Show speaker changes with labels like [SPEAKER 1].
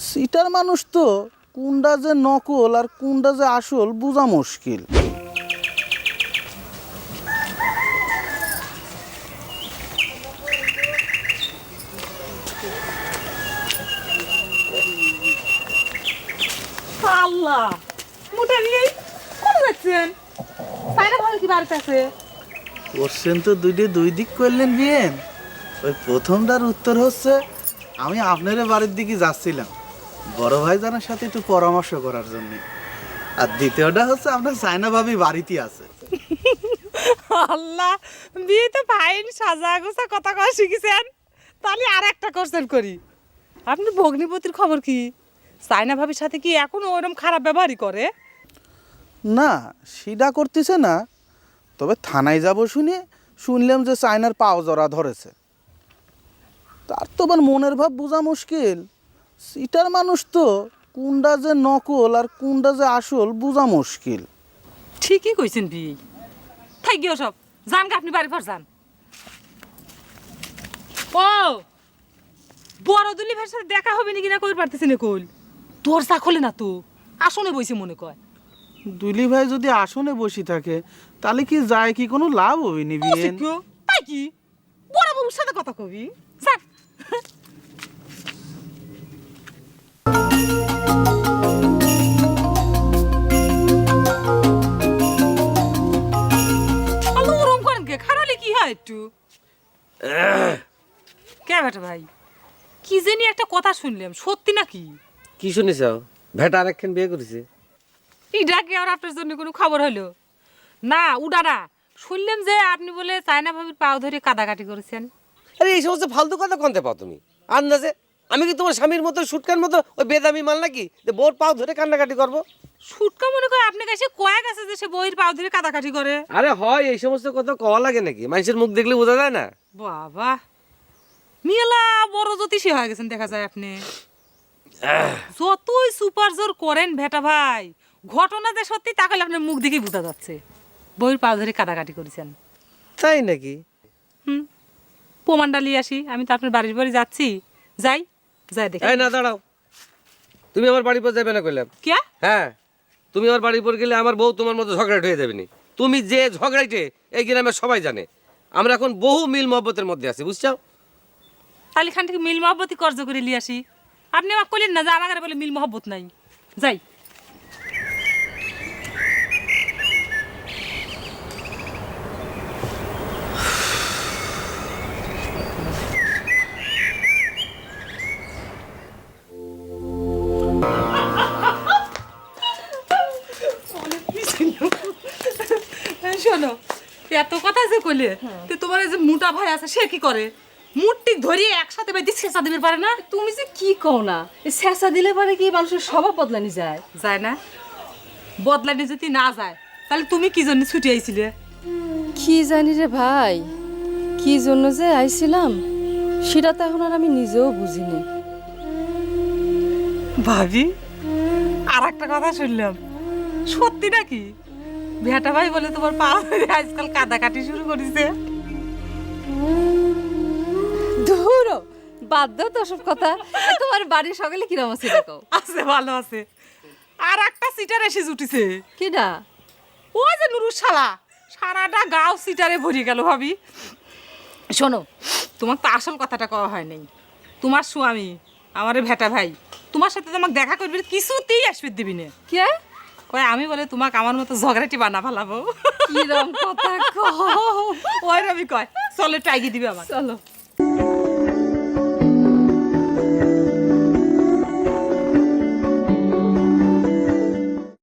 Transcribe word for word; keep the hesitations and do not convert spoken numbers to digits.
[SPEAKER 1] Seater মানুষ তো কোনটা যে নকল আর কোনটা যে আসল বোঝা মুশকিল।
[SPEAKER 2] আল্লাহ মোটা নিয়ে কোন যাচ্ছেন? সাইরা ভালো কি বাড়িতে আছে?
[SPEAKER 1] কোশ্চেন তো দুইটি দুই দিক করলেন বিয়েন। ওই প্রথমটার উত্তর হচ্ছে আমি আপনার বাড়ির দিকে যাচ্ছিলাম বড় ভাইজানের সাথে একটু পরামর্শ করার জন্য, আর দ্বিতীয়টা হচ্ছে আপনার সাইনা ভাবি বাড়িতে আছে।
[SPEAKER 2] আল্লাহ বিয়ে তো ফাইন সাজা গোছা কথা কওয়া শিখেছেন, তাহলে আর একটা কোশ্চেন করি। আপনি ভগ্নিপতির খবর কি? সাইনা ভাবির সাথে কি এখনো ওরকম খারাপ ব্যবহারই করে?
[SPEAKER 1] না সেটা করতেছে না, তবে থানায় যাব শুনে শুনলাম যে চায়নার পাও জড়া ধরেছে। তার তো আবার মনের ভাব বোঝা মুশকিল। সিটার মানুষ তো কোনটা যে নকল আর কোনটা যে আসল বোঝা মুশকিল।
[SPEAKER 2] ঠিকই কইছেন বিয়ে। থাই গিয়ে সব যান গা, আপনি বাড়ি পর যান। ও বড় দুলি ভাইয়ের সাথে দেখা হবে নাকি না কই পারতেছি না, কইল দরজা খোলে না তো, আসনে বইছে মনে কয়।
[SPEAKER 1] দুলি ভাই যদি আসনে বসে থাকে তাহলে কি যায় কি কোনো লাভ হবে নি বিয়েন?
[SPEAKER 2] তাই কি বড় বাবুর সাথে কথা কবি? স্যার আলো ওরম করেন কে? খারালে কি হয় একটু? কে বেটা ভাই, কি জানি একটা কথা শুনলাম, সত্যি নাকি?
[SPEAKER 3] কি শুনিস? ভেটা আরেকখান বিয়ে করেছে।
[SPEAKER 2] ইডা কি আর আপনার জন্য কোনো খবর হলো? না উডা না, শুনলাম যে আপনি বলে চায়না ভাবির পাও ধরে কাদাকাটি করেছেন।
[SPEAKER 3] আরে এই সমস্ত ফালতু কথা কনতে পাও তুমি? আন্দাজে আমি কি তোমার স্বামীর মতো সুটকার মতো ওই বেদামি মাল নাকি যে বোর পাও ধরে কান্নাকাটি করবো?
[SPEAKER 2] সুটকা মনে করে আপনার কাছে কয়েক আছে যে সে বইয়ের পাও ধরে কাদাকাটি করে?
[SPEAKER 3] আরে হয়, এই সমস্ত কথা কওয়া লাগে নাকি? মানুষের মুখ দেখলে বোঝা যায় না?
[SPEAKER 2] বাবা মিয়ালা বড় জ্যোতিষী হয়ে গেছেন দেখা যায় আপনি। যতই সুপার জোর করেন ভেটা ভাই, ঘটনা যে সত্যি তাকালে আপনার মুখ দেখেই বোঝা যাচ্ছে বইয়ের পাও ধরে কাদাকাটি করেছেন।
[SPEAKER 3] তাই নাকি?
[SPEAKER 2] হুম প্রমাণটা নিয়ে আসি, আমি তো আপনার বাড়ির বাড়ি যাচ্ছি, যাই যাই দেখি।
[SPEAKER 3] এই না দাঁড়াও, তুমি আমার বাড়ির পর যাবে না কইলাম?
[SPEAKER 2] কে?
[SPEAKER 3] হ্যাঁ, তুমি আমার বাড়ির পর গেলে আমার বউ তোমার মতো ঝগড়াট হয়ে যাবে নি। তুমি যে ঝগড়াইটে এই গ্রামের সবাই জানে। আমরা এখন বহু মিল মহব্বতের মধ্যে আছি, বুঝছো?
[SPEAKER 2] তাহলে খান থেকে মিল মহব্বতই কর্জ করে নিয়ে আসি। আপনি আমাকে কইলেন না যে আমার বলে মিল মহব্বত নাই, যাই। শোনো, এত কথা যে কইলে তো তোমার এই যে মোটা ভাই আছে সে কি করে? মূর্তি ধরিয়ে একসাথে বেঁধে ছেঁচা দিতে পারে না?
[SPEAKER 4] তুমি যে কি কও না, ছেঁচা দিলে পারে কি মানুষের স্বভাব বদলানি যায়?
[SPEAKER 2] যায় না? বদলানি যদি না যায় তাহলে তুমি কি জন্য ছুটি আইছিলে?
[SPEAKER 4] কি জানি রে ভাই, কি জন্য যে আইছিলাম সেটা তো এখন আর আমি নিজেও বুঝিনি।
[SPEAKER 2] ভাবি আর একটা কথা শুনলাম, সত্যি নাকি ভেটা ভাই বলে তোমার পা ধরে আজকাল কাদাকাটি শুরু করেছে?
[SPEAKER 4] ধুরো বাদ দাও তো সব কথা। তোমার বাড়ির সকালে কিরম আছে এটা কও?
[SPEAKER 2] আছে, ভালো আছে। আর একটা সিটার এসে জুটিছে।
[SPEAKER 4] কিডা?
[SPEAKER 2] ও যে নুরুর শালা, সারাটা গাও সিটারে ভরে গেল। ভাবি শোনো, তোমার তো আসল কথাটা কওয়া হয় নাই। তোমার স্বামী আমারে ভেটা ভাই তোমার সাথে তোমাকে দেখা করবে কিছুতেই আসবে দিবি না।
[SPEAKER 4] কে
[SPEAKER 2] কয় আমি বলে তোমাকে আমার মতো ঝগড়াটি বানা ফেলাবো।
[SPEAKER 4] কিরম কথা কও?
[SPEAKER 2] ওই রবি কয় চলে টাইগি দিবে আমার।
[SPEAKER 4] চলো।